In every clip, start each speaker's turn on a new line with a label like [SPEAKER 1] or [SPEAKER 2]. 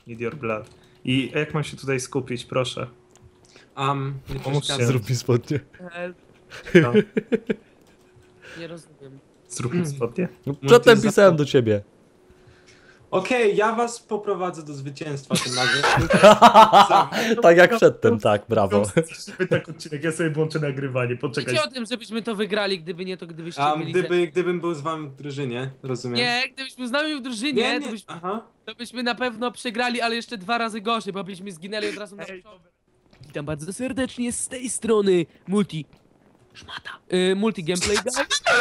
[SPEAKER 1] Need your blood. I jak mam się tutaj skupić, proszę?
[SPEAKER 2] Nie
[SPEAKER 1] Pomóżcie.
[SPEAKER 2] przeszkadzaj.
[SPEAKER 3] Zrób mi spodnie.
[SPEAKER 1] No,
[SPEAKER 4] Nie rozumiem.
[SPEAKER 1] zrób mi spodnie.
[SPEAKER 3] No, przedtem
[SPEAKER 2] Multi
[SPEAKER 3] pisałem do ciebie.
[SPEAKER 2] Okej, ja was poprowadzę do zwycięstwa tym razem.
[SPEAKER 3] Tak jak przedtem, tak, brawo.
[SPEAKER 1] Tak odcinek, ja sobie włączę nagrywanie, poczekaj.
[SPEAKER 4] Wiecie o tym, żebyśmy to wygrali, gdyby nie to, gdybyście mieli...
[SPEAKER 2] Gdybym był z wami w drużynie, rozumiem?
[SPEAKER 4] Nie, gdybyśmy z nami w drużynie,
[SPEAKER 2] nie. Aha.
[SPEAKER 4] to byśmy na pewno przegrali, ale jeszcze 2 razy gorzej, bo byśmy zginęli od razu na początku. Witam bardzo serdecznie z tej strony Multi... Szmata. Multi Gameplay Guy.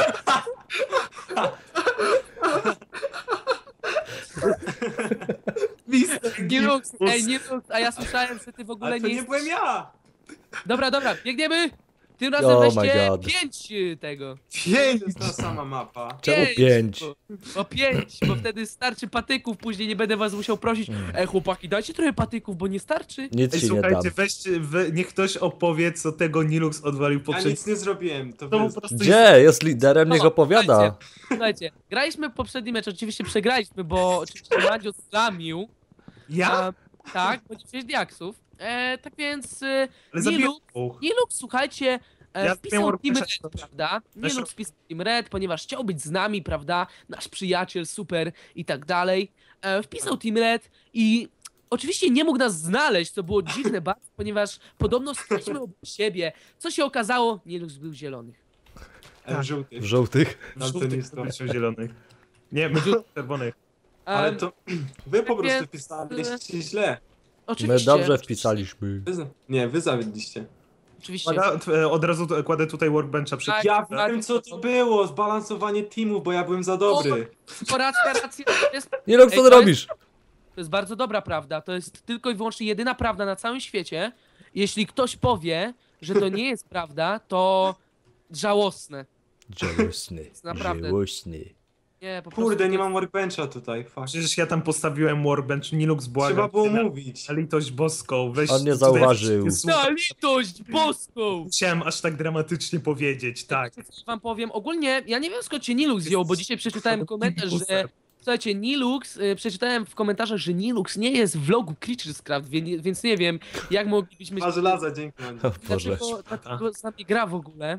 [SPEAKER 4] Nilux, Nilux, a ja słyszałem, że ty w ogóle
[SPEAKER 2] Ale to nie
[SPEAKER 4] jesteś...
[SPEAKER 2] byłem ja!
[SPEAKER 4] Dobra, biegniemy! Tym razem
[SPEAKER 3] Oh my
[SPEAKER 4] weźcie
[SPEAKER 3] God.
[SPEAKER 4] 5 tego.
[SPEAKER 2] To jest ta sama mapa.
[SPEAKER 3] Czemu 5?
[SPEAKER 4] O 5, bo wtedy starczy patyków, później nie będę was musiał prosić. Chłopaki, dajcie trochę patyków, bo nie starczy.
[SPEAKER 3] Nic
[SPEAKER 1] Ej,
[SPEAKER 3] ci nie dam.
[SPEAKER 1] słuchajcie, weźcie, niech ktoś opowie, co tego Nilux odwalił
[SPEAKER 2] Ja
[SPEAKER 1] poprzednio.
[SPEAKER 2] nic nie zrobiłem, to
[SPEAKER 1] To
[SPEAKER 2] wy...
[SPEAKER 1] po prostu
[SPEAKER 3] Gdzie? Jest liderem, niech opowiada.
[SPEAKER 4] Słuchajcie, graliśmy poprzedni mecz, oczywiście przegraliśmy, bo oczywiście Mandzio zlamił.
[SPEAKER 1] Ja?
[SPEAKER 4] Tak, bo nie wziąłeś diaksów. Tak więc
[SPEAKER 1] Ale zabiłem
[SPEAKER 4] Nilux,
[SPEAKER 1] dwóch.
[SPEAKER 4] Nilux, słuchajcie,
[SPEAKER 1] Ja
[SPEAKER 4] wpisał
[SPEAKER 1] miałem
[SPEAKER 4] Team
[SPEAKER 1] Warcrafta.
[SPEAKER 4] Red, prawda?
[SPEAKER 1] Też
[SPEAKER 4] Nilux wpisał Team Red, ponieważ chciał być z nami, prawda? Nasz przyjaciel, super i tak dalej. Wpisał Team Red i oczywiście nie mógł nas znaleźć, co było dziwne bardzo, ponieważ podobno staliśmy obok siebie. Co się okazało? Nilux był zielony.
[SPEAKER 2] Żółty.
[SPEAKER 3] W żółtych.
[SPEAKER 2] Ale to nie
[SPEAKER 1] Żółtych
[SPEAKER 2] jest to.
[SPEAKER 1] to zielonych. Nie, my czerwonych.
[SPEAKER 2] Ale
[SPEAKER 4] Em,
[SPEAKER 2] to... Wy po prostu
[SPEAKER 4] więc-
[SPEAKER 2] pisaliście źle.
[SPEAKER 4] Oczywiście.
[SPEAKER 3] My dobrze wpisaliśmy.
[SPEAKER 2] Nie, wy zawiedliście.
[SPEAKER 4] Oczywiście.
[SPEAKER 1] Od razu kładę tutaj workbencha przy...
[SPEAKER 4] Tak.
[SPEAKER 2] Ja wiem co to było, zbalansowanie teamów, bo ja byłem za dobry.
[SPEAKER 4] Racja, to jest
[SPEAKER 3] Nilux, co
[SPEAKER 4] Ej,
[SPEAKER 3] ty
[SPEAKER 4] to
[SPEAKER 3] robisz?
[SPEAKER 4] To jest bardzo dobra prawda. To jest tylko i wyłącznie jedyna prawda na całym świecie. Jeśli ktoś powie, że to nie jest prawda, to żałosne.
[SPEAKER 3] Żałosny.
[SPEAKER 4] Naprawdę.
[SPEAKER 3] Żałosny.
[SPEAKER 4] Nie, po prostu
[SPEAKER 2] Kurde, nie
[SPEAKER 4] to
[SPEAKER 2] mam workbencha tutaj, fuck.
[SPEAKER 1] Przecież ja tam postawiłem workbench, Nilux błagam.
[SPEAKER 2] Trzeba było
[SPEAKER 1] cię,
[SPEAKER 2] mówić.
[SPEAKER 1] na litość boską, weź...
[SPEAKER 3] On nie
[SPEAKER 1] tutaj-
[SPEAKER 3] zauważył.
[SPEAKER 4] Na litość boską!
[SPEAKER 1] Musiałem aż tak dramatycznie powiedzieć, tak.
[SPEAKER 4] Wiecie, co wam powiem? Ogólnie, ja nie wiem skąd się Nilux wziął, bo dzisiaj przeczytałem komentarz, że... Słuchajcie, Nilux, przeczytałem w komentarzach, że Nilux nie jest w vlogu Creatures Craft, więc nie wiem, jak moglibyśmy...
[SPEAKER 2] Ma żelaza, dzięki Mandzio.
[SPEAKER 3] O Boże.
[SPEAKER 4] Dlaczego z nami gra w ogóle?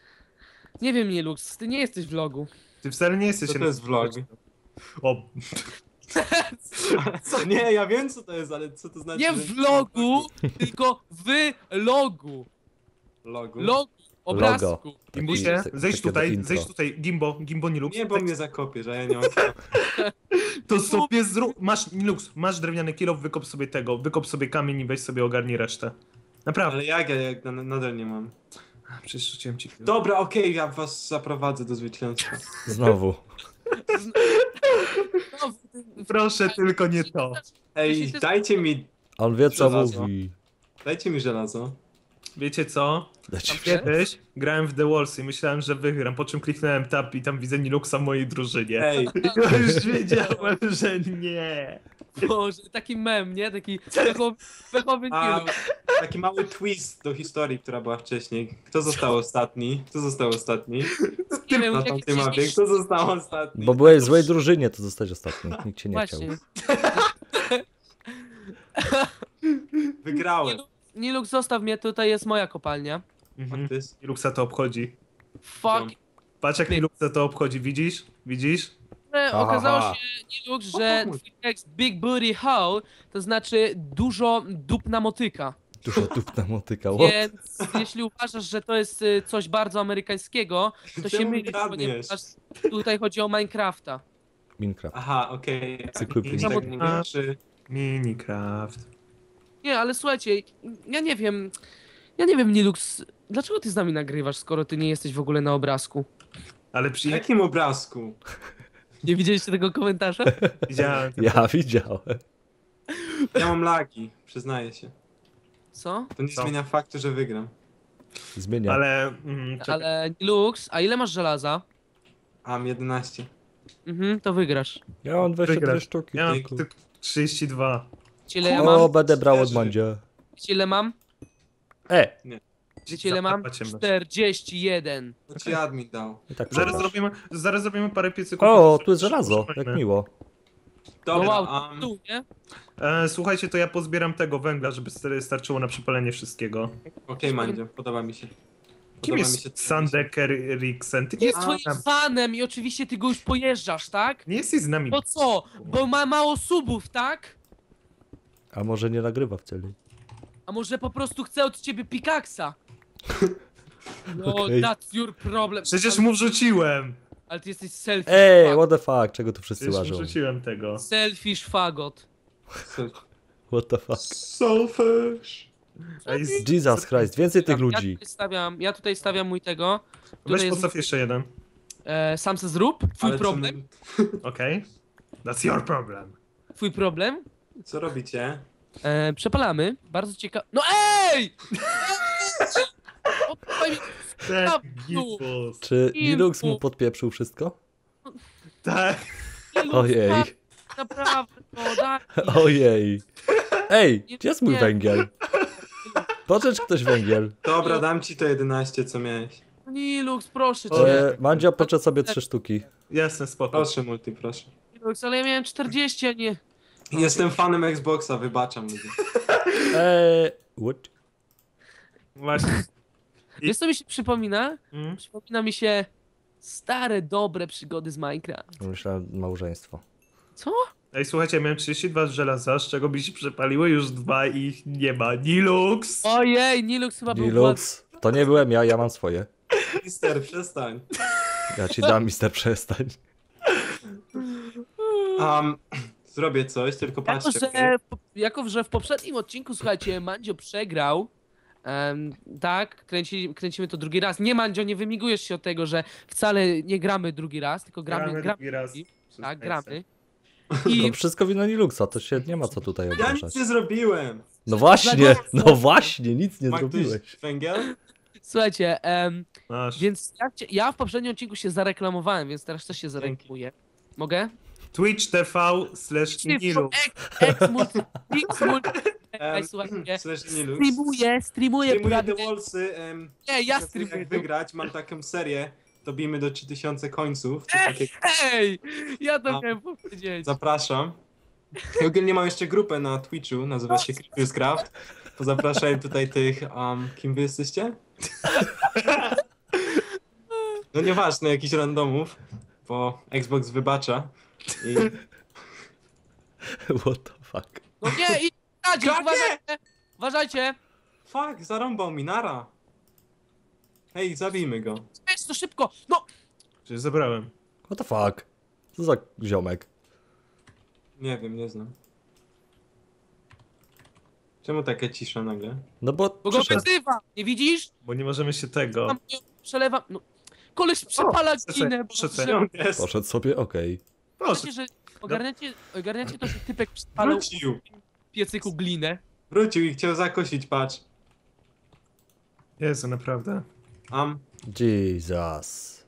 [SPEAKER 4] Nie wiem, Nilux, ty nie jesteś w vlogu.
[SPEAKER 1] Ty wcale nie jesteś...
[SPEAKER 2] Co to jest vlog?
[SPEAKER 1] O,
[SPEAKER 2] Co? Nie, ja wiem co to jest, ale co to znaczy?
[SPEAKER 4] Nie
[SPEAKER 2] że-
[SPEAKER 4] w vlogu, tylko w logu.
[SPEAKER 2] Logu.
[SPEAKER 4] Logu, obrazku.
[SPEAKER 1] Gimbusie,
[SPEAKER 3] Takie-
[SPEAKER 1] zejdź
[SPEAKER 3] takie
[SPEAKER 1] tutaj,
[SPEAKER 3] intro.
[SPEAKER 1] zejdź tutaj, Gimbo Nilux.
[SPEAKER 2] Nie, bo mnie zakopiesz, a ja nie mam.
[SPEAKER 1] To sobie zrób, masz, Nilux, masz drewniany kilo, wykop sobie kamień i weź sobie ogarnij resztę. Naprawdę.
[SPEAKER 2] Ale jak nadal nie mam.
[SPEAKER 1] Przecież rzuciłem ci kilo.
[SPEAKER 2] Dobra, okej, ja was zaprowadzę do zwycięstwa.
[SPEAKER 3] Znowu.
[SPEAKER 4] No,
[SPEAKER 1] Proszę, tylko nie to.
[SPEAKER 2] Ej,
[SPEAKER 3] On wie co
[SPEAKER 2] Żelazo.
[SPEAKER 3] mówi.
[SPEAKER 2] dajcie mi żelazo.
[SPEAKER 1] Wiecie co?
[SPEAKER 3] Dajcie mi-
[SPEAKER 1] Kiedyś grałem w The Walls i myślałem, że wygram, po czym kliknąłem tab i tam widzę Niluxa w mojej drużynie.
[SPEAKER 2] Ej,
[SPEAKER 1] I ja już wiedziałem, że nie.
[SPEAKER 4] Boże, taki mem, nie? Taki pechowy
[SPEAKER 2] a
[SPEAKER 4] Nilux.
[SPEAKER 2] taki mały twist do historii, która była wcześniej. Kto został ostatni? Kto został ostatni?
[SPEAKER 4] Nie wiem,
[SPEAKER 2] Na
[SPEAKER 4] jaki
[SPEAKER 2] tamtej mapie, kto został ostatni?
[SPEAKER 3] Bo byłeś w złej drużynie, to zostać ostatni. Nikt cię nie chciał.
[SPEAKER 4] Właśnie.
[SPEAKER 2] Wygrałem.
[SPEAKER 4] Nilux, zostaw mnie, tutaj jest moja kopalnia.
[SPEAKER 1] Mhm.
[SPEAKER 2] Matys.
[SPEAKER 1] Niluxa to obchodzi.
[SPEAKER 4] Fuck.
[SPEAKER 1] Patrz jak Niluxa to obchodzi, widzisz? Widzisz?
[SPEAKER 4] Okazało się, Nilux, że twój tekst Big Booty Hole to znaczy dużo dupna motyka.
[SPEAKER 3] Dużo dupna motyka. What?
[SPEAKER 4] Więc jeśli uważasz, że to jest coś bardzo amerykańskiego, to się
[SPEAKER 2] Czemu
[SPEAKER 4] mylisz,
[SPEAKER 2] gadniesz?
[SPEAKER 4] ponieważ tutaj chodzi o Minecrafta.
[SPEAKER 3] Minecraft.
[SPEAKER 2] Aha, okej.
[SPEAKER 3] Cyklu
[SPEAKER 2] Tak
[SPEAKER 1] pięć.
[SPEAKER 2] mówię, czy...
[SPEAKER 1] Minecraft.
[SPEAKER 4] Nie, ale słuchajcie, ja nie wiem, Nilux, dlaczego ty z nami nagrywasz, skoro ty nie jesteś w ogóle na obrazku?
[SPEAKER 1] Ale
[SPEAKER 2] W
[SPEAKER 1] przy...
[SPEAKER 2] jakim obrazku?
[SPEAKER 4] Nie widzieliście tego komentarza?
[SPEAKER 1] widziałem...
[SPEAKER 3] Ja widziałem.
[SPEAKER 2] Ja mam lagi, przyznaję się.
[SPEAKER 4] Co?
[SPEAKER 2] To nie
[SPEAKER 1] Co?
[SPEAKER 2] zmienia faktu, że wygram.
[SPEAKER 3] Zmienia.
[SPEAKER 1] Ale... czekaj.
[SPEAKER 4] Ale Nilux, a ile masz żelaza?
[SPEAKER 2] A, mam 11.
[SPEAKER 4] To wygrasz.
[SPEAKER 3] Ja mam 22
[SPEAKER 1] Wygrasz.
[SPEAKER 3] sztuki.
[SPEAKER 1] Ja mam
[SPEAKER 2] Dzięki.
[SPEAKER 1] tylko 32.
[SPEAKER 4] Wiecie ile ja mam?
[SPEAKER 3] O, będę brał od
[SPEAKER 2] Szczerze.
[SPEAKER 3] Mandzia.
[SPEAKER 4] Wiecie ile mam? Wiecie ile mam?
[SPEAKER 1] Zapała ciemność.
[SPEAKER 4] 41.
[SPEAKER 2] To ci admin dał.
[SPEAKER 3] I tak
[SPEAKER 1] Zaraz
[SPEAKER 3] przegrasz.
[SPEAKER 1] zrobimy parę piecyków.
[SPEAKER 3] O, tu jest żelazo. Jak miło.
[SPEAKER 4] No
[SPEAKER 2] Dobra,
[SPEAKER 4] wow, tu, nie?
[SPEAKER 1] Słuchajcie, to ja pozbieram tego węgla, żeby starczyło na przepalenie wszystkiego.
[SPEAKER 2] okej, Mandzio, podoba mi się.
[SPEAKER 1] Kim
[SPEAKER 2] Podoba mi się.
[SPEAKER 1] jest Sandeker Eriksen? Ty nie
[SPEAKER 4] Jest
[SPEAKER 1] jesteś
[SPEAKER 4] twoim fanem i oczywiście ty go już pojeżdżasz, tak?
[SPEAKER 1] nie jesteś z nami.
[SPEAKER 4] Bo co? Bo ma mało subów, tak?
[SPEAKER 3] A może nie nagrywa wcale?
[SPEAKER 4] A może po prostu chce od ciebie pikaksa? No,
[SPEAKER 3] Okej.
[SPEAKER 4] that's your problem.
[SPEAKER 1] Przecież
[SPEAKER 4] ale,
[SPEAKER 1] mu wrzuciłem.
[SPEAKER 4] ale ty jesteś selfish
[SPEAKER 3] Ej,
[SPEAKER 4] fag.
[SPEAKER 3] what the fuck, czego tu wszyscy
[SPEAKER 1] Przecież mu
[SPEAKER 3] łażą?
[SPEAKER 1] wrzuciłem tego.
[SPEAKER 4] Selfish fagot.
[SPEAKER 3] What the fuck?
[SPEAKER 2] Selfish.
[SPEAKER 1] Ej,
[SPEAKER 3] Jesus Christ, więcej tych ludzi.
[SPEAKER 4] Ja tutaj stawiam mój tego.
[SPEAKER 1] Weź
[SPEAKER 4] Tutaj
[SPEAKER 1] postaw jeszcze jeden.
[SPEAKER 4] sam se zrób. Twój
[SPEAKER 2] Ale
[SPEAKER 4] problem.
[SPEAKER 1] Okej. That's your problem.
[SPEAKER 4] Twój problem.
[SPEAKER 2] Co robicie?
[SPEAKER 4] Przepalamy. Bardzo ciekawe. No ej! Oddaj mi-
[SPEAKER 1] Ten
[SPEAKER 4] No.
[SPEAKER 1] gipus.
[SPEAKER 3] Czy Linux mu podpieprzył wszystko?
[SPEAKER 1] Tak.
[SPEAKER 3] Ojej,
[SPEAKER 4] Naprawdę, no daj.
[SPEAKER 3] ojej. Ej, gdzie jest mój
[SPEAKER 4] Nie.
[SPEAKER 3] węgiel? Pożycz ktoś węgiel.
[SPEAKER 2] Dobra, dam ci to 11, co miałeś.
[SPEAKER 4] Nilux, proszę
[SPEAKER 1] O,
[SPEAKER 4] cię.
[SPEAKER 3] Mandzio, poczet sobie 3 sztuki.
[SPEAKER 1] Jasne, spoko.
[SPEAKER 2] Proszę, Multi, proszę.
[SPEAKER 4] Nilux, ale ja miałem 40, a nie.
[SPEAKER 2] Jestem fanem Xboxa, wybaczam ludzie.
[SPEAKER 3] What?
[SPEAKER 1] Właśnie.
[SPEAKER 4] Wiesz co mi się przypomina?
[SPEAKER 1] Mm?
[SPEAKER 4] Przypomina mi się stare, dobre przygody z Minecraft.
[SPEAKER 3] Myślałem małżeństwo.
[SPEAKER 4] Co?
[SPEAKER 1] Ej, słuchajcie, ja miałem 32 żelaza, z czego mi się przepaliły już 2 i ich nie ma. Nilux!
[SPEAKER 4] Ojej, Nilux chyba był
[SPEAKER 3] Linux, to nie byłem ja, ja mam swoje.
[SPEAKER 2] Mister, przestań.
[SPEAKER 3] Ja ci dam, mister, przestań.
[SPEAKER 2] Zrobię coś, tylko patrzcie. okej?
[SPEAKER 4] Jako, że w poprzednim odcinku, słuchajcie, Mandzio przegrał. Tak, kręcimy to drugi raz. Nie, Mandzio, nie wymigujesz się od tego, że wcale nie gramy drugi raz, tylko gramy.
[SPEAKER 1] drugi raz.
[SPEAKER 4] Tak, gramy.
[SPEAKER 3] To
[SPEAKER 4] I
[SPEAKER 3] wszystko wina Linuxa, to się nie ma co tutaj
[SPEAKER 2] Ja
[SPEAKER 3] obrażać.
[SPEAKER 2] nic nie zrobiłem.
[SPEAKER 3] No właśnie, no właśnie, nic nie
[SPEAKER 2] Ma ktoś
[SPEAKER 3] zrobiłeś.
[SPEAKER 2] węgiel?
[SPEAKER 4] słuchajcie,
[SPEAKER 1] Masz.
[SPEAKER 4] więc ja w poprzednim odcinku się zareklamowałem, więc teraz też się zareklamuję. Mogę?
[SPEAKER 1] Twitch TV/Nilux.
[SPEAKER 4] Słuchajcie,
[SPEAKER 2] Slash Nilux.
[SPEAKER 4] streamuję
[SPEAKER 2] Streamuję
[SPEAKER 4] prawie...
[SPEAKER 2] The Wallsy.
[SPEAKER 4] Nie, ja
[SPEAKER 2] Jak
[SPEAKER 4] streamuję.
[SPEAKER 2] wygrać, mam taką serię. Dobijmy do 3000 końców. Coś takiego.
[SPEAKER 4] Ej, ja to
[SPEAKER 2] A.
[SPEAKER 4] miałem powiedzieć.
[SPEAKER 2] Zapraszam. I ogólnie mam jeszcze grupę na Twitchu, nazywa się Craft. To zapraszam tutaj tych, kim wy jesteście? No nieważne, jakichś randomów, bo Xbox wybacza. I...
[SPEAKER 3] What the fuck.
[SPEAKER 4] No nie, i radzi,
[SPEAKER 2] Jakie?
[SPEAKER 4] uważajcie! Uważajcie!
[SPEAKER 2] Fuck, zarąbał mi, nara. Hej, zabijmy go.
[SPEAKER 4] Weź to szybko! No!
[SPEAKER 1] Przecież zabrałem.
[SPEAKER 3] What the fuck. Co za ziomek.
[SPEAKER 2] Nie wiem, nie znam. Czemu taka cisza nagle?
[SPEAKER 3] No bo
[SPEAKER 4] Bo go
[SPEAKER 3] przyszedł.
[SPEAKER 4] wyzywa! Nie widzisz?
[SPEAKER 1] Bo nie możemy się tego.
[SPEAKER 4] Tam nie przelewam. No. Koleś przepala
[SPEAKER 1] proszę,
[SPEAKER 4] ginę.
[SPEAKER 1] proszę,
[SPEAKER 4] Boże.
[SPEAKER 2] Gdzie on jest?
[SPEAKER 3] Poszedł sobie, okej.
[SPEAKER 1] Proszę.
[SPEAKER 4] Wiecie, że ogarniacie to, że typek przepalał
[SPEAKER 2] Wrócił.
[SPEAKER 4] w piecyku glinę.
[SPEAKER 2] Wrócił i chciał zakosić, patrz.
[SPEAKER 1] Jezu, naprawdę.
[SPEAKER 3] Jesus.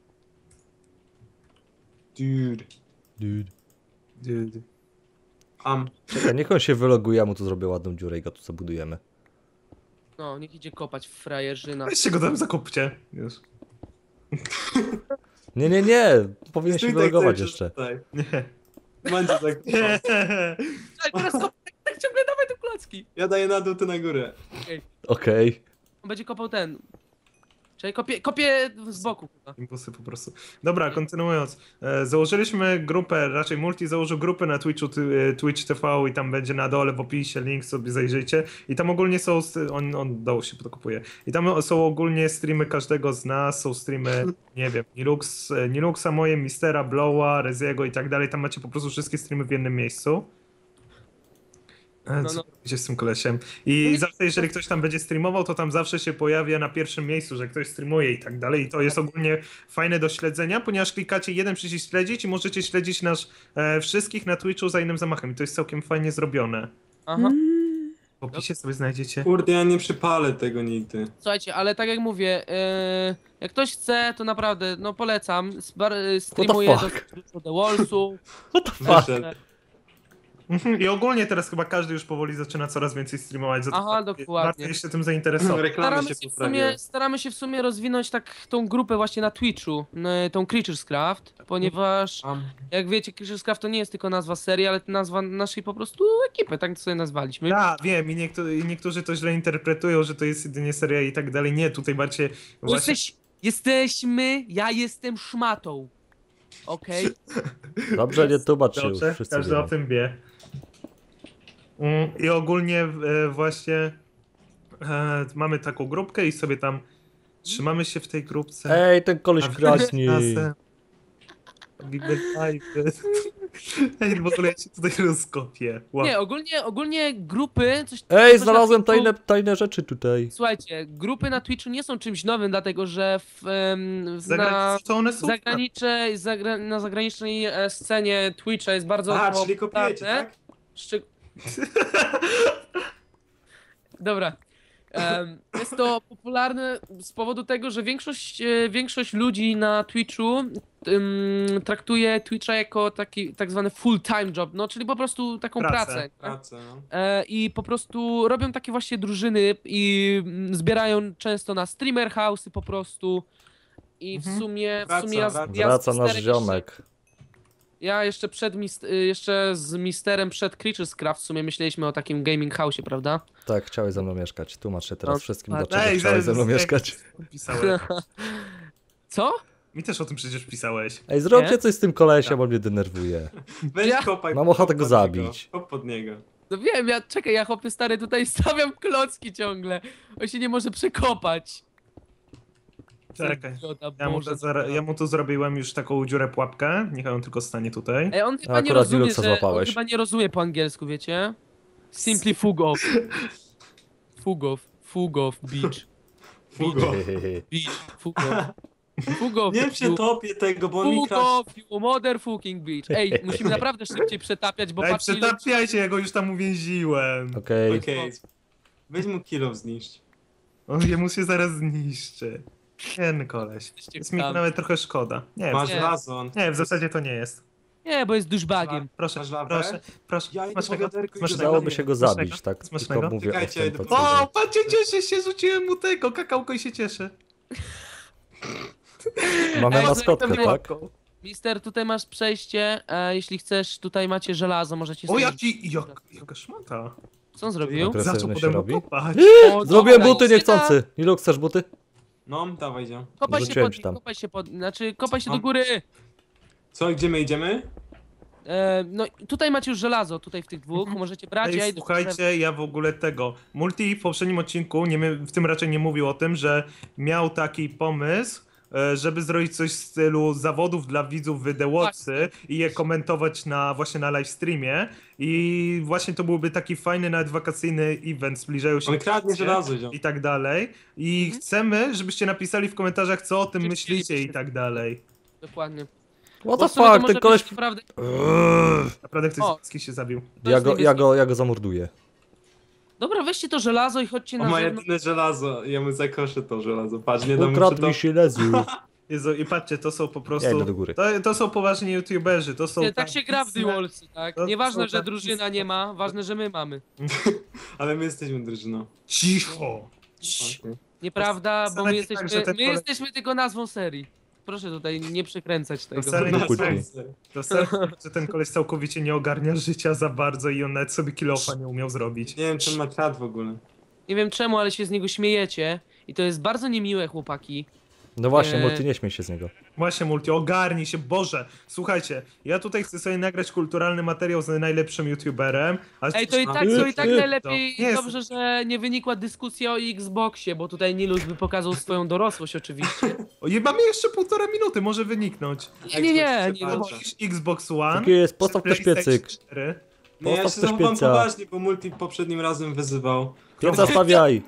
[SPEAKER 2] Dude.
[SPEAKER 3] Dude.
[SPEAKER 1] Dude.
[SPEAKER 3] Czekaj, niech on się wyloguje, ja mu tu zrobię ładną dziurę i go tu zabudujemy.
[SPEAKER 4] No, niech idzie kopać w frajerzyna.
[SPEAKER 1] Weźcie go tam zakopcie. Już.
[SPEAKER 3] Nie, nie, nie! Powinien się
[SPEAKER 2] Stój
[SPEAKER 3] wylogować
[SPEAKER 2] cały
[SPEAKER 3] jeszcze.
[SPEAKER 2] czas tutaj.
[SPEAKER 1] Nie.
[SPEAKER 2] Mandzio tak.
[SPEAKER 4] Czekaj, teraz tak ciągle dawaj te klocki.
[SPEAKER 2] Ja daję na dół, ty na górę.
[SPEAKER 3] Okej.
[SPEAKER 4] On będzie kopał ten. Czekaj, kopię z boku chyba.
[SPEAKER 1] Impulsy po prostu. Dobra, kontynuując. Założyliśmy grupę, raczej Multi założył grupę na Twitchu, Twitch TV i tam będzie na dole w opisie link, sobie zajrzyjcie. I tam ogólnie są, on dołu się podkupuje. I tam są ogólnie streamy każdego z nas, są streamy, nie wiem, Niluxa, moje, Mistera, Blowa, Reziego i tak dalej. Tam macie po prostu wszystkie streamy w jednym miejscu.
[SPEAKER 4] No,
[SPEAKER 1] Co
[SPEAKER 4] no.
[SPEAKER 1] robicie z tym kolesiem? I zawsze, jeżeli ktoś tam będzie streamował, to tam zawsze się pojawia na pierwszym miejscu, że ktoś streamuje i tak dalej. I to jest ogólnie fajne do śledzenia, ponieważ klikacie jeden przycisk śledzić i możecie śledzić nas wszystkich na Twitchu za innym zamachem. I to jest całkiem fajnie zrobione.
[SPEAKER 4] Aha.
[SPEAKER 1] W opisie sobie znajdziecie.
[SPEAKER 2] Kurde, ja nie przypalę tego nigdy.
[SPEAKER 4] Słuchajcie, ale tak jak mówię, jak ktoś chce, to naprawdę, no polecam. Streamuję
[SPEAKER 3] fuck?
[SPEAKER 4] do The Wallsu.
[SPEAKER 3] What the fuck?
[SPEAKER 2] Wyszedł.
[SPEAKER 1] I ogólnie teraz chyba każdy już powoli zaczyna coraz więcej streamować.
[SPEAKER 4] Aha, dokładnie.
[SPEAKER 1] Warto się tym zainteresować.
[SPEAKER 2] Reklamy się poprawiły.
[SPEAKER 4] Staramy się w sumie rozwinąć tak tą grupę właśnie na Twitchu, tą Creatures Craft, ponieważ jak wiecie, Creatures Craft to nie jest tylko nazwa serii, ale to nazwa naszej po prostu ekipy, tak sobie nazwaliśmy.
[SPEAKER 1] Ja wiem i niektórzy to źle interpretują, że to jest jedynie seria i tak dalej. Nie, tutaj bardziej właśnie...
[SPEAKER 4] Ja jestem szmatą. Okej?
[SPEAKER 3] Dobrze, nie tłumacz się już,
[SPEAKER 1] Dobrze,
[SPEAKER 3] wszyscy
[SPEAKER 1] każdy o
[SPEAKER 3] wiedzą.
[SPEAKER 1] tym wie. I ogólnie właśnie mamy taką grupkę i sobie tam trzymamy się w tej grupce.
[SPEAKER 3] Ej, ten koleś kradnie.
[SPEAKER 1] Robimy live'y. Ej, w ogóle ja się tutaj rozkopię. Wow.
[SPEAKER 4] Nie, ogólnie grupy...
[SPEAKER 3] Ej,
[SPEAKER 4] coś na
[SPEAKER 3] znalazłem
[SPEAKER 4] Twitchu-
[SPEAKER 3] tajne rzeczy tutaj.
[SPEAKER 4] Słuchajcie, grupy na Twitchu nie są czymś nowym, dlatego że
[SPEAKER 1] To one są
[SPEAKER 4] na zagranicznej scenie Twitcha jest bardzo
[SPEAKER 2] Czyli kopiujecie, tak?
[SPEAKER 4] Dobra. Jest to popularne z powodu tego, że większość ludzi na Twitchu traktuje Twitcha jako taki tak zwany full-time job, no czyli po prostu taką pracę.
[SPEAKER 2] Pracę, no.
[SPEAKER 4] I po prostu robią takie właśnie drużyny i zbierają często na streamer house'y po prostu. I w sumie
[SPEAKER 3] Wraca nasz ziomek.
[SPEAKER 4] Ja jeszcze jeszcze z Misterem przed Creatures Craft w sumie myśleliśmy o takim gaming house'ie, prawda?
[SPEAKER 3] Tak, chciałeś ze mną mieszkać. Tłumacz się teraz
[SPEAKER 4] No,
[SPEAKER 3] wszystkim,
[SPEAKER 4] tak.
[SPEAKER 3] dlaczego chciałeś ze mną mieszkać.
[SPEAKER 1] Pisałeś.
[SPEAKER 4] Co?
[SPEAKER 1] Mi też o tym przecież pisałeś.
[SPEAKER 3] Ej, zróbcie
[SPEAKER 4] Nie?
[SPEAKER 3] coś z tym kolesiem, bo mnie denerwuje.
[SPEAKER 2] Weź
[SPEAKER 4] Ja-
[SPEAKER 2] kopaj.
[SPEAKER 3] Mam ochotę
[SPEAKER 2] kop
[SPEAKER 3] go
[SPEAKER 2] pod
[SPEAKER 3] zabić.
[SPEAKER 2] niego, kop pod niego.
[SPEAKER 4] No wiem, ja chłopie stary tutaj stawiam klocki ciągle. On się nie może przekopać.
[SPEAKER 1] Czekaj.
[SPEAKER 4] Zgoda,
[SPEAKER 1] Ja mu tu zrobiłem już taką dziurę pułapkę. Niech on tylko stanie tutaj.
[SPEAKER 4] Ej, on chyba nie
[SPEAKER 3] akurat
[SPEAKER 4] rozumie,
[SPEAKER 3] Linuxa
[SPEAKER 4] że on
[SPEAKER 3] złapałeś.
[SPEAKER 4] chyba nie rozumie po angielsku, wiecie? Simply fug off. Fug off, beach.
[SPEAKER 2] Fugo.
[SPEAKER 4] Beach, fug off. Fug off,
[SPEAKER 2] Nie przetopię tego, bo on mi
[SPEAKER 4] Fug
[SPEAKER 2] krasz.
[SPEAKER 4] off, you motherfucking beach. Ej, musimy naprawdę szybciej przetapiać, bo
[SPEAKER 1] Ej,
[SPEAKER 4] patrzcie ile...
[SPEAKER 1] przetapiajcie, ja go już tam uwięziłem.
[SPEAKER 3] Okej.
[SPEAKER 2] Okej. Weź mu kilo zniszcz.
[SPEAKER 1] Jemu się zaraz zniszczy. Ten koleś. Jest mi
[SPEAKER 4] tam.
[SPEAKER 1] nawet trochę szkoda. Nie,
[SPEAKER 2] Masz
[SPEAKER 4] Nie.
[SPEAKER 2] wazon.
[SPEAKER 1] nie, w zasadzie to nie jest.
[SPEAKER 4] Nie, bo jest douchebagiem.
[SPEAKER 1] Proszę,
[SPEAKER 2] Masz lawę?
[SPEAKER 1] proszę.
[SPEAKER 2] Ja idę
[SPEAKER 1] Smacznego,
[SPEAKER 2] po wiaderko i
[SPEAKER 1] smacznego.
[SPEAKER 3] Dałoby się go
[SPEAKER 1] Smacznego?
[SPEAKER 3] zabić, tak?
[SPEAKER 1] Smacznego?
[SPEAKER 3] Tylko mówię
[SPEAKER 2] Czekajcie,
[SPEAKER 3] o
[SPEAKER 2] idę
[SPEAKER 3] tym,
[SPEAKER 2] po-
[SPEAKER 1] O, patrzcie, cieszę się, rzuciłem mu tego, kakałko i się cieszę.
[SPEAKER 3] Mamy
[SPEAKER 4] Ej,
[SPEAKER 3] maskotkę,
[SPEAKER 4] to
[SPEAKER 3] tak?
[SPEAKER 4] Mister, tutaj masz przejście, jeśli chcesz, tutaj macie żelazo, możecie
[SPEAKER 1] O,
[SPEAKER 4] sobie...
[SPEAKER 1] jaka szmata.
[SPEAKER 4] Co on zrobił?
[SPEAKER 3] Agresywny
[SPEAKER 1] Zaczął
[SPEAKER 3] się
[SPEAKER 1] pode mną
[SPEAKER 3] robi.
[SPEAKER 1] kopać.
[SPEAKER 4] O,
[SPEAKER 3] Zrobiłem
[SPEAKER 4] dobra,
[SPEAKER 3] buty
[SPEAKER 4] idzie
[SPEAKER 3] niechcący. Nilu, chcesz buty?
[SPEAKER 2] No, dawaj, idzie.
[SPEAKER 4] Kopaj się
[SPEAKER 3] Wrzuciłem
[SPEAKER 4] pod
[SPEAKER 3] ci
[SPEAKER 4] nim,
[SPEAKER 3] tam.
[SPEAKER 4] kopaj się do
[SPEAKER 2] No.
[SPEAKER 4] góry.
[SPEAKER 2] Co, gdzie my idziemy?
[SPEAKER 4] No tutaj macie już żelazo, tutaj w tych dwóch, możecie brać, ja
[SPEAKER 1] Ej,
[SPEAKER 4] idę
[SPEAKER 1] słuchajcie, ja w ogóle tego. Multi w poprzednim odcinku, w tym raczej nie mówił o tym, że miał taki pomysł, żeby zrobić coś w stylu zawodów dla widzów w The Watcy i je komentować właśnie na live streamie. I właśnie to byłby taki fajny, nawet wakacyjny event, zbliżają się
[SPEAKER 2] On kradnie
[SPEAKER 1] wakacje
[SPEAKER 2] żelazo, ziom.
[SPEAKER 1] i tak dalej. I chcemy, żebyście napisali w komentarzach, co o tym
[SPEAKER 4] Czy
[SPEAKER 1] myślicie
[SPEAKER 4] chcielibyście?
[SPEAKER 1] i tak dalej.
[SPEAKER 4] Dokładnie.
[SPEAKER 3] What
[SPEAKER 4] Bo
[SPEAKER 3] the
[SPEAKER 4] w sumie to
[SPEAKER 3] fuck,
[SPEAKER 4] może
[SPEAKER 3] ten koleś...
[SPEAKER 4] być naprawdę...
[SPEAKER 1] Naprawdę ktoś
[SPEAKER 4] O.
[SPEAKER 1] z wszystkich się zabił.
[SPEAKER 3] Ja go zamorduję.
[SPEAKER 4] Dobra, weźcie to żelazo i chodźcie
[SPEAKER 2] On
[SPEAKER 4] na
[SPEAKER 2] ma
[SPEAKER 4] zewnątrz.
[SPEAKER 2] jedyne żelazo. Ja mu zakoszę to żelazo. Patrz, nie dam mu
[SPEAKER 3] Ukradł mi się lezu.
[SPEAKER 1] Jezu, i patrzcie, to są po
[SPEAKER 3] Ja
[SPEAKER 1] prostu...
[SPEAKER 3] idę do góry.
[SPEAKER 1] To są poważni youtuberzy, to są...
[SPEAKER 4] Tak się gra w The Wallsy, tak?
[SPEAKER 1] To
[SPEAKER 4] Nieważne,
[SPEAKER 1] są
[SPEAKER 4] że
[SPEAKER 1] takie
[SPEAKER 4] drużyna nie ma, ważne, że my mamy.
[SPEAKER 2] Ale my jesteśmy drużyną.
[SPEAKER 1] Cicho!
[SPEAKER 2] Okay.
[SPEAKER 4] Nieprawda, bo my
[SPEAKER 1] Wcale tak, że
[SPEAKER 4] jesteśmy,
[SPEAKER 1] ten
[SPEAKER 4] my jesteśmy tylko nazwą serii. Proszę tutaj nie przekręcać tego.
[SPEAKER 1] wcale
[SPEAKER 3] nie
[SPEAKER 1] nie
[SPEAKER 3] kłótni.
[SPEAKER 1] To serio, że ten koleś całkowicie nie ogarnia życia za bardzo i on nawet sobie kilofa nie umiał zrobić.
[SPEAKER 2] Nie wiem, czy on ma czat w ogóle.
[SPEAKER 4] Nie wiem czemu, ale się z niego śmiejecie. I to jest bardzo niemiłe, chłopaki.
[SPEAKER 3] No właśnie,
[SPEAKER 4] Nie.
[SPEAKER 3] Multi, nie śmiej się z niego.
[SPEAKER 1] Właśnie, Multi, ogarnij się, Boże! Słuchajcie, ja tutaj chcę sobie nagrać kulturalny materiał z najlepszym youtuberem, ale...
[SPEAKER 4] Ej, to i tak najlepiej,
[SPEAKER 1] Nie jest-
[SPEAKER 4] dobrze, że nie wynikła dyskusja o Xboxie, bo tutaj Nilus by pokazał swoją dorosłość oczywiście.
[SPEAKER 1] O, mamy jeszcze 1,5 minuty, może wyniknąć.
[SPEAKER 4] Nie,
[SPEAKER 2] Xbox
[SPEAKER 1] Xbox One.
[SPEAKER 3] Taki jest, postaw też
[SPEAKER 1] PlayStation
[SPEAKER 3] piecyk.
[SPEAKER 1] 4.
[SPEAKER 2] Nie, ja się
[SPEAKER 3] Postaw też
[SPEAKER 2] zachowam
[SPEAKER 3] pieca.
[SPEAKER 2] poważnie, bo Multi poprzednim razem wyzywał.
[SPEAKER 3] Pieca stawiaj.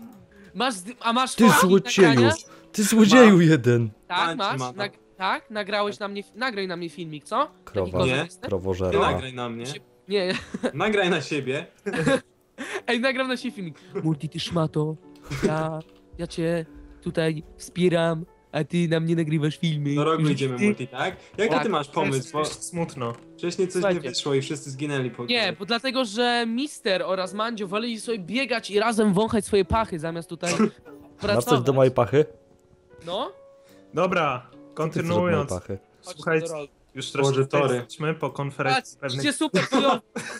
[SPEAKER 4] Masz
[SPEAKER 3] Ty
[SPEAKER 4] fotki
[SPEAKER 3] złodzieju.
[SPEAKER 4] nagrania?
[SPEAKER 3] Ty złodzieju jeden.
[SPEAKER 4] Tak,
[SPEAKER 2] Macie,
[SPEAKER 4] masz.
[SPEAKER 2] ma.
[SPEAKER 4] Tak, nagrałeś na mnie, nagraj na mnie filmik, co?
[SPEAKER 3] Krowa.
[SPEAKER 4] Taki
[SPEAKER 2] Nie.
[SPEAKER 4] korzystny?
[SPEAKER 2] Ty
[SPEAKER 3] Krowożera.
[SPEAKER 2] nagraj na mnie.
[SPEAKER 4] Nie,
[SPEAKER 2] Nagraj na siebie.
[SPEAKER 4] ej, nagram na siebie filmik. Multi, ty szmato, ja cię tutaj wspieram, a ty na mnie nagrywasz filmy.
[SPEAKER 2] Do rogu
[SPEAKER 4] I że
[SPEAKER 2] idziemy
[SPEAKER 4] ty-
[SPEAKER 2] multi, tak? Jaki
[SPEAKER 4] Tak.
[SPEAKER 2] ty masz pomysł? Bo
[SPEAKER 1] Jest smutno.
[SPEAKER 2] wcześniej coś nie
[SPEAKER 4] Słuchajcie.
[SPEAKER 2] wyszło i wszyscy zginęli po
[SPEAKER 4] Nie, bo dlatego, że Mister oraz Mandzio woleli sobie biegać i razem wąchać swoje pachy, zamiast tutaj
[SPEAKER 3] Masz coś
[SPEAKER 4] pracować.
[SPEAKER 3] do mojej pachy?
[SPEAKER 4] No,
[SPEAKER 1] Dobra,
[SPEAKER 3] Co ty chcesz od mojej
[SPEAKER 1] kontynuując.
[SPEAKER 3] pachy?
[SPEAKER 4] chodź
[SPEAKER 1] Słuchajcie,
[SPEAKER 4] do rolu.
[SPEAKER 1] już
[SPEAKER 2] Boże,
[SPEAKER 1] troszkę
[SPEAKER 2] tory.
[SPEAKER 1] jesteśmy po konferencji
[SPEAKER 4] Patrz,
[SPEAKER 1] pewnej.
[SPEAKER 4] idzie super chujowo.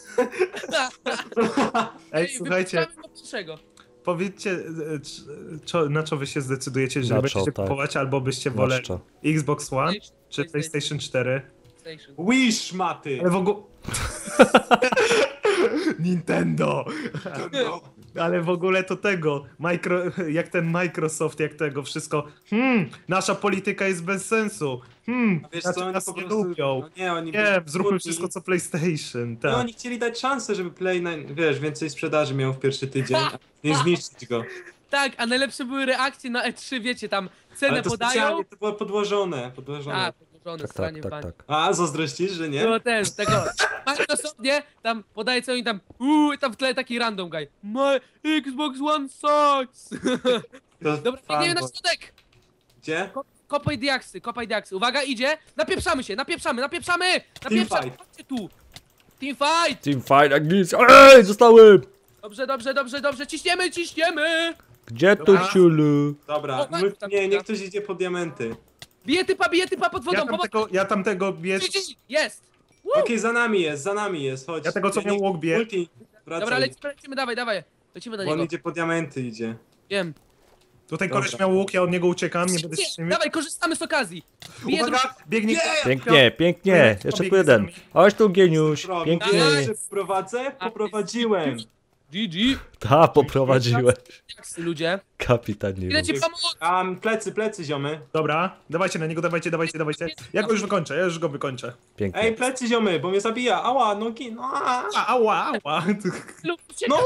[SPEAKER 1] Ej, słuchajcie,
[SPEAKER 4] wypuszczamy go pierwszego.
[SPEAKER 1] powiedzcie, na co wy się zdecydujecie, że
[SPEAKER 3] Na
[SPEAKER 1] będziecie
[SPEAKER 3] co, tak.
[SPEAKER 1] kupować, albo byście
[SPEAKER 3] Na
[SPEAKER 1] woleli
[SPEAKER 3] co?
[SPEAKER 1] Xbox One czy PlayStation 4.
[SPEAKER 4] PlayStation.
[SPEAKER 2] Wish, maty!
[SPEAKER 1] Ale w ogóle... Nintendo!
[SPEAKER 2] No.
[SPEAKER 1] Ale w ogóle to tego, jak ten Microsoft, jak tego wszystko, nasza polityka jest bez sensu,
[SPEAKER 2] Wiesz
[SPEAKER 1] znaczy
[SPEAKER 2] co, oni
[SPEAKER 1] nas
[SPEAKER 2] po
[SPEAKER 1] nie
[SPEAKER 2] prostu...
[SPEAKER 1] lubią,
[SPEAKER 2] No nie, oni
[SPEAKER 1] nie, zróbmy
[SPEAKER 2] byli
[SPEAKER 1] wszystko co PlayStation,
[SPEAKER 2] No
[SPEAKER 1] tak.
[SPEAKER 2] oni chcieli dać szansę, żeby Play, wiesz, więcej sprzedaży miał w pierwszy tydzień, a nie zniszczyć go.
[SPEAKER 4] Tak, a najlepsze były reakcje na E3, wiecie, tam cenę
[SPEAKER 2] Ale to
[SPEAKER 4] podają.
[SPEAKER 2] specjalnie to było podłożone.
[SPEAKER 4] A, podłożone,
[SPEAKER 3] Tak,
[SPEAKER 4] stranie
[SPEAKER 3] tak,
[SPEAKER 4] w
[SPEAKER 3] tak,
[SPEAKER 4] bani.
[SPEAKER 3] tak.
[SPEAKER 2] A, zazdrościsz, że nie?
[SPEAKER 4] Było ten, tego, Microsoft, nie? Tam podaje co oni tam, i tam w tle taki random guy. My Xbox One sucks!
[SPEAKER 2] To
[SPEAKER 4] Dobra,
[SPEAKER 2] fanboy.
[SPEAKER 4] biegniemy na środek!
[SPEAKER 2] Gdzie?
[SPEAKER 4] Kopaj diaksy, kopaj diaksy. Uwaga, idzie! Napieprzamy się, napieprzamy!
[SPEAKER 2] Teamfight.
[SPEAKER 4] Chodźcie tu! Teamfight!
[SPEAKER 3] Team fight jak nic. Ej, zostałem!
[SPEAKER 4] Dobrze, ciśniemy!
[SPEAKER 3] Gdzie tu
[SPEAKER 1] Dobra.
[SPEAKER 3] ciulu?
[SPEAKER 2] Dobra,
[SPEAKER 4] O, tam
[SPEAKER 2] nie,
[SPEAKER 4] tam.
[SPEAKER 2] niech ktoś idzie po diamenty.
[SPEAKER 4] Bije typa pod wodą,
[SPEAKER 1] Ja tamtego biję,
[SPEAKER 4] Jest!
[SPEAKER 2] Okej, za nami jest, chodź.
[SPEAKER 1] Ja tego, co miał łuk, bije.
[SPEAKER 2] Multi, wracaj.
[SPEAKER 4] Dobra, lecimy, dawaj. Lecimy do
[SPEAKER 2] Bo on
[SPEAKER 4] niego.
[SPEAKER 2] idzie po diamenty, idzie.
[SPEAKER 4] Wiem.
[SPEAKER 1] tutaj
[SPEAKER 2] Dobra.
[SPEAKER 1] koleś miał łuk, ja od niego uciekam, nie będę się
[SPEAKER 4] Dawaj, korzystamy z okazji. Bije drugi.
[SPEAKER 1] Uwaga, biegnie.
[SPEAKER 3] Pięknie, pięknie.
[SPEAKER 1] Kto
[SPEAKER 3] Jeszcze
[SPEAKER 1] biegnie
[SPEAKER 3] tu jeden.
[SPEAKER 1] za nami?
[SPEAKER 3] Chodź tu, Geniusz.
[SPEAKER 2] Robi.
[SPEAKER 3] Pięknie.
[SPEAKER 2] Że prowadzę? Poprowadziłem.
[SPEAKER 4] GG.
[SPEAKER 3] Ta, poprowadziłeś.
[SPEAKER 4] Diaksy, ludzie.
[SPEAKER 3] Kapitanie.
[SPEAKER 4] Ile ci pomóc?
[SPEAKER 2] Plecy, ziomy.
[SPEAKER 1] Dobra, dawajcie na niego, dawajcie. Ja go już go wykończę.
[SPEAKER 3] Pięknie.
[SPEAKER 2] Ej, plecy, ziomy, bo mnie zabija. Ała, nogi, no.
[SPEAKER 1] Ała.
[SPEAKER 4] Lub
[SPEAKER 2] No,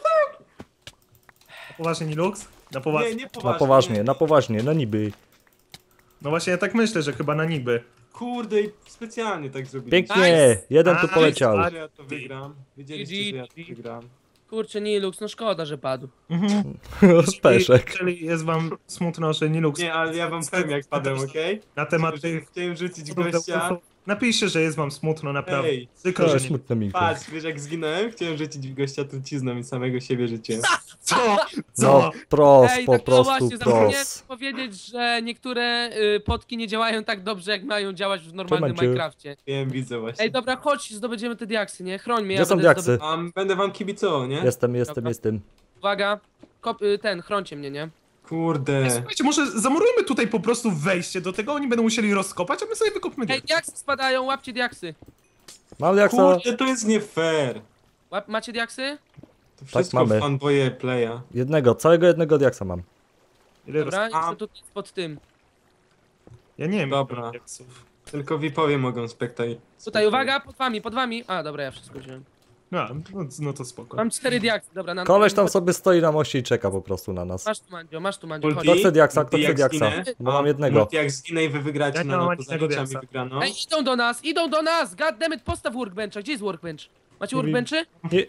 [SPEAKER 1] Poważnie, Nilux? Na poważnie.
[SPEAKER 2] nie
[SPEAKER 3] Na
[SPEAKER 2] poważnie.
[SPEAKER 3] poważnie, no niby.
[SPEAKER 1] No właśnie, ja tak myślę, że chyba na niby.
[SPEAKER 2] Kurde, i specjalnie tak zrobiłem.
[SPEAKER 3] Pięknie. Jeden tu
[SPEAKER 1] Nice.
[SPEAKER 3] poleciał.
[SPEAKER 2] Że ja to wygram. Wiedzieliście, że ja to wygram.
[SPEAKER 4] Kurczę, Nilux, no szkoda, że padł.
[SPEAKER 3] Speszek.
[SPEAKER 1] Czyli jest wam smutno, że Nilux
[SPEAKER 2] Nie, ale ja wam powiem jak padłem, okej?
[SPEAKER 1] na temat tych...
[SPEAKER 2] Chciałem rzucić gościa.
[SPEAKER 1] Napiszcie, że jest wam smutno, naprawdę.
[SPEAKER 2] Ej,
[SPEAKER 1] Przykro,
[SPEAKER 3] To
[SPEAKER 1] że
[SPEAKER 3] jest
[SPEAKER 1] nie...
[SPEAKER 3] smutne mi.
[SPEAKER 2] patrz, wiesz jak zginąłem? Chciałem rzucić w gościa trucizną i samego siebie rzuciłem.
[SPEAKER 1] Co?
[SPEAKER 3] No, pros,
[SPEAKER 4] Ej,
[SPEAKER 3] po
[SPEAKER 4] tak no
[SPEAKER 3] prostu
[SPEAKER 4] właśnie, zapomniałem
[SPEAKER 3] pros.
[SPEAKER 4] powiedzieć, że niektóre potki nie działają tak dobrze, jak mają działać w normalnym
[SPEAKER 3] Trzymam cię.
[SPEAKER 4] Minecrafcie.
[SPEAKER 2] Wiem, widzę właśnie.
[SPEAKER 4] Ej, dobra, chodź, zdobędziemy te diaksy, nie? Chroń mnie,
[SPEAKER 3] Gdzie są
[SPEAKER 4] będę
[SPEAKER 3] diaksy?
[SPEAKER 2] Będę wam kibicował, nie?
[SPEAKER 3] Jestem.
[SPEAKER 4] Uwaga, chrońcie mnie, nie?
[SPEAKER 2] Kurde.
[SPEAKER 1] Słuchajcie, może zamurujmy tutaj po prostu wejście do tego, oni będą musieli rozkopać, a my sobie wykopmy
[SPEAKER 4] Ej, diaksy spadają, łapcie diaksy.
[SPEAKER 3] Mam jak co?
[SPEAKER 2] Kurde, to jest nie fair.
[SPEAKER 4] Macie diaksy?
[SPEAKER 2] To wszystko
[SPEAKER 3] mamy.
[SPEAKER 2] fanboye playa.
[SPEAKER 3] Całego jednego diaksa mam.
[SPEAKER 1] Ile
[SPEAKER 4] Dobra,
[SPEAKER 1] roz...
[SPEAKER 4] jestem tutaj pod tym.
[SPEAKER 1] Ja nie wiem.
[SPEAKER 2] Dobra. Tylko VIP-owie mogą
[SPEAKER 4] Tutaj, uwaga, pod wami. A, dobra, ja wszystko wziąłem.
[SPEAKER 1] No to spoko.
[SPEAKER 4] Mam 4 diaksy, dobra, na
[SPEAKER 3] Koleś tam sobie stoi na moście i czeka po prostu na nas.
[SPEAKER 4] Masz tu, Mandzio, chodź.
[SPEAKER 3] Kto chce diaksa?
[SPEAKER 2] Multi jak zginę?
[SPEAKER 3] Bo mam jednego.
[SPEAKER 2] Multi jak zginę i wy wygracie
[SPEAKER 1] Ja nie
[SPEAKER 2] na
[SPEAKER 1] mam
[SPEAKER 2] to
[SPEAKER 1] ani
[SPEAKER 2] za
[SPEAKER 1] jednego
[SPEAKER 2] meczami
[SPEAKER 1] diaksa.
[SPEAKER 2] wygraną.
[SPEAKER 4] Ej, idą do nas! Goddammit, postaw workbencha, gdzie jest workbench? Macie
[SPEAKER 3] Nie wiem.
[SPEAKER 4] workbenchy?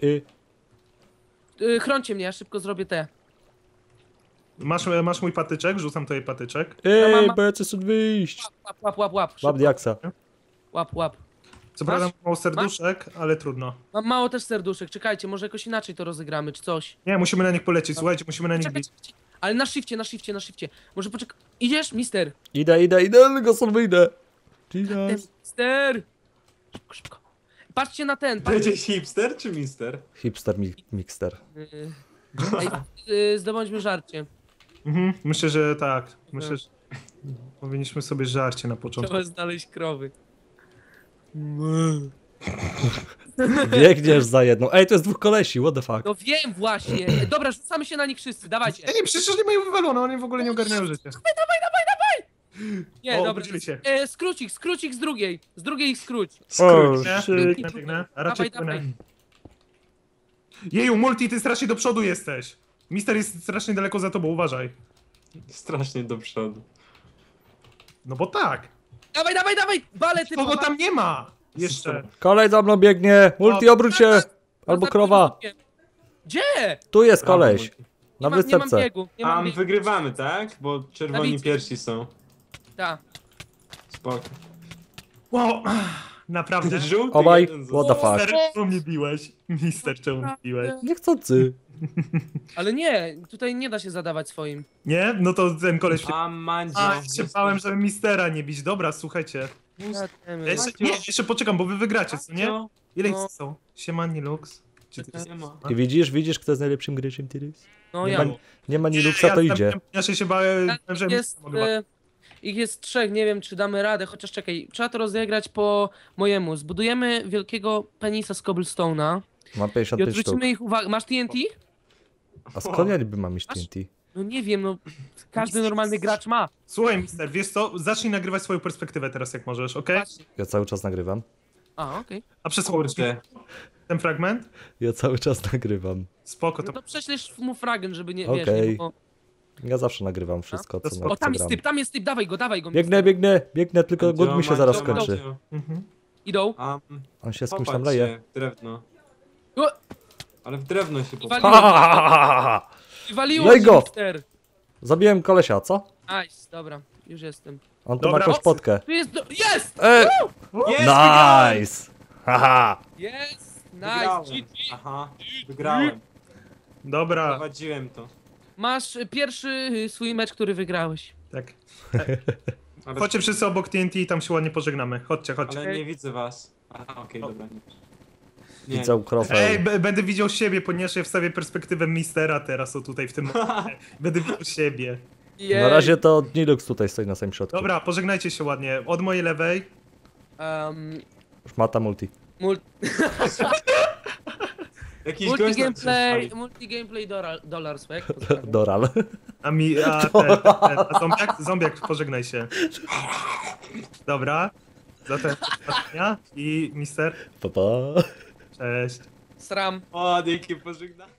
[SPEAKER 3] Nie.
[SPEAKER 4] Chrońcie mnie, ja szybko zrobię te.
[SPEAKER 1] Masz mój patyczek? Rzucam tutaj patyczek.
[SPEAKER 3] Ej, bo ja chcę stąd wyjść.
[SPEAKER 4] Łap.
[SPEAKER 3] Mam
[SPEAKER 4] Szybko.
[SPEAKER 3] diaksa.
[SPEAKER 4] Łap.
[SPEAKER 1] Co
[SPEAKER 4] Masz?
[SPEAKER 1] prawda mam mało serduszek, ale trudno.
[SPEAKER 4] Mam mało też serduszek, czekajcie, może jakoś inaczej to rozegramy, czy coś.
[SPEAKER 1] Nie, musimy na nich polecieć, słuchajcie, musimy na nich
[SPEAKER 4] Czekaj,
[SPEAKER 1] bić.
[SPEAKER 4] ale na shifcie. Może poczekaj. Idziesz, mister?
[SPEAKER 3] Idę, tylko stąd wyjdę. Jesus.
[SPEAKER 4] Mister! Szybko. Patrzcie na ten,
[SPEAKER 2] Będzie hipster czy mister?
[SPEAKER 3] Hipster mixter.
[SPEAKER 4] Zdobądźmy żarcie.
[SPEAKER 1] Myślę, że tak. Myślę, że powinniśmy sobie żarcie na początku.
[SPEAKER 4] Trzeba znaleźć krowy.
[SPEAKER 3] Biegniesz za jedną. Ej, to jest dwóch kolesi, what the fuck.
[SPEAKER 4] No wiem właśnie. Dobra, rzucamy się na nich wszyscy, dawajcie.
[SPEAKER 1] Nie, przecież nie mają wywalone, oni w ogóle nie ogarniają życia.
[SPEAKER 4] Nie,
[SPEAKER 1] O,
[SPEAKER 4] dobra.
[SPEAKER 1] obudzili się.
[SPEAKER 4] Skróć ich z drugiej. Z drugiej ich skróć.
[SPEAKER 2] Skróć.
[SPEAKER 1] Biegnę. A raczej
[SPEAKER 4] Dawaj.
[SPEAKER 1] płynę. Jeju, Multi, ty strasznie do przodu jesteś. Mister jest strasznie daleko za tobą, uważaj.
[SPEAKER 2] Strasznie do przodu.
[SPEAKER 1] No bo tak.
[SPEAKER 4] Dawaj! Bale ty
[SPEAKER 1] Kogo tam nie ma? Jeszcze.
[SPEAKER 3] Kolej za mną biegnie. Multi, obróć się. Albo krowa.
[SPEAKER 4] Gdzie?
[SPEAKER 3] Tu jest koleś. Na
[SPEAKER 4] Nie mam
[SPEAKER 3] wysepce.
[SPEAKER 4] biegu. Nie mam biegu.
[SPEAKER 2] Wygrywamy, tak? Bo czerwoni
[SPEAKER 4] Dawid.
[SPEAKER 2] pierwsi są.
[SPEAKER 4] Ta.
[SPEAKER 2] Spoko.
[SPEAKER 1] Wow, naprawdę.
[SPEAKER 2] Żółty
[SPEAKER 3] Obaj,
[SPEAKER 2] jeden
[SPEAKER 3] what the
[SPEAKER 2] został.
[SPEAKER 3] fuck.
[SPEAKER 1] Mister, czemu mnie biłeś? Mister, czemu mnie biłeś?
[SPEAKER 3] Niechcący.
[SPEAKER 4] Ale nie, tutaj nie da się zadawać swoim.
[SPEAKER 1] Nie? No to ten koleś...
[SPEAKER 2] A Mandzio.
[SPEAKER 1] A, się bałem, żeby Mistera nie bić. Dobra, słuchajcie. Ja jeszcze, nie, jeszcze poczekam, bo wy wygracie, co nie? Ile ich
[SPEAKER 4] No.
[SPEAKER 1] są? Siemani Lux. Czy to jest...
[SPEAKER 2] Nie ma.
[SPEAKER 3] I widzisz, kto jest najlepszym graczem teraz?
[SPEAKER 4] No
[SPEAKER 3] Nie
[SPEAKER 4] ja.
[SPEAKER 3] ma, nie ma Niluxa, to idzie.
[SPEAKER 1] Ja się bałem, że
[SPEAKER 4] Jest,
[SPEAKER 1] mogę was-
[SPEAKER 4] ich jest 3, nie wiem czy damy radę, chociaż czekaj, trzeba to rozegrać po mojemu. Zbudujemy wielkiego penisa z cobblestone'a
[SPEAKER 3] Mam
[SPEAKER 4] i
[SPEAKER 3] 55 sztuk.
[SPEAKER 4] odwrócimy ich uwagę. Masz TNT?
[SPEAKER 3] A skąd ja niby mam mieć TNT?
[SPEAKER 4] No nie wiem, no każdy normalny gracz ma.
[SPEAKER 1] Słuchaj, Mister, wiesz co? Zacznij nagrywać swoją perspektywę teraz, jak możesz, okej?
[SPEAKER 4] Właśnie.
[SPEAKER 3] Ja cały czas nagrywam.
[SPEAKER 4] A, okej.
[SPEAKER 1] A przesłuchaj
[SPEAKER 2] Kurde.
[SPEAKER 1] ten fragment?
[SPEAKER 3] Ja cały czas nagrywam.
[SPEAKER 1] Spoko,
[SPEAKER 4] No
[SPEAKER 1] to...
[SPEAKER 4] to prześlesz mu fragment, żeby nie,
[SPEAKER 3] Okej.
[SPEAKER 4] wiesz, nie było...
[SPEAKER 3] Ja zawsze nagrywam wszystko,
[SPEAKER 1] To
[SPEAKER 3] co
[SPEAKER 1] spoko.
[SPEAKER 3] na
[SPEAKER 4] O, tam jest typ, dawaj go.
[SPEAKER 3] Biegnę, tylko głód mi się zaraz skończy.
[SPEAKER 1] Mhm.
[SPEAKER 4] Idą.
[SPEAKER 3] On się z kimś tam
[SPEAKER 2] Popatrz
[SPEAKER 3] leje.
[SPEAKER 2] się, w drewno.
[SPEAKER 4] O,
[SPEAKER 2] Ale w drewno się
[SPEAKER 4] Wali-
[SPEAKER 2] popatrz.
[SPEAKER 4] waliło
[SPEAKER 3] Lej go!
[SPEAKER 4] Mister.
[SPEAKER 3] Zabiłem kolesia, co?
[SPEAKER 4] Nice, dobra, już jestem.
[SPEAKER 3] On tu
[SPEAKER 1] Dobra.
[SPEAKER 3] ma jakąś potkę.
[SPEAKER 4] Tu jest, jest!
[SPEAKER 2] Jest, wygrałem!
[SPEAKER 3] Nice! Haha!
[SPEAKER 4] Jest!
[SPEAKER 2] Wygrałem.
[SPEAKER 4] Nice! GG.
[SPEAKER 2] Aha, wygrałem.
[SPEAKER 1] Dobra,
[SPEAKER 2] Prowadziłem to.
[SPEAKER 4] Masz pierwszy swój mecz, który wygrałeś.
[SPEAKER 1] tak.
[SPEAKER 2] Ale,
[SPEAKER 1] Chodźcie wszyscy obok TNT i tam się ładnie pożegnamy. Chodźcie, chodźcie.
[SPEAKER 2] ale nie widzę was. Aha, okej, dobra. Nie.
[SPEAKER 3] Widzę krofę.
[SPEAKER 1] Ej, będę widział siebie, ponieważ ja wstawię perspektywę Mistera teraz, o tutaj w tym momencie. Będę widział siebie.
[SPEAKER 3] Na razie to Nilux tutaj stoi na samym środku.
[SPEAKER 1] Dobra, pożegnajcie się ładnie. Od mojej lewej.
[SPEAKER 3] Już mata multi.
[SPEAKER 2] Jakiś gość nam się
[SPEAKER 4] Multi gameplay dollar swag.
[SPEAKER 3] Doral.
[SPEAKER 1] A zombiak, pożegnaj się. Dobra. Zatem ostatnia i Mister.
[SPEAKER 3] Pa, pa.
[SPEAKER 1] Cześć.
[SPEAKER 4] Sram.
[SPEAKER 2] O, dzięki, pożegnam.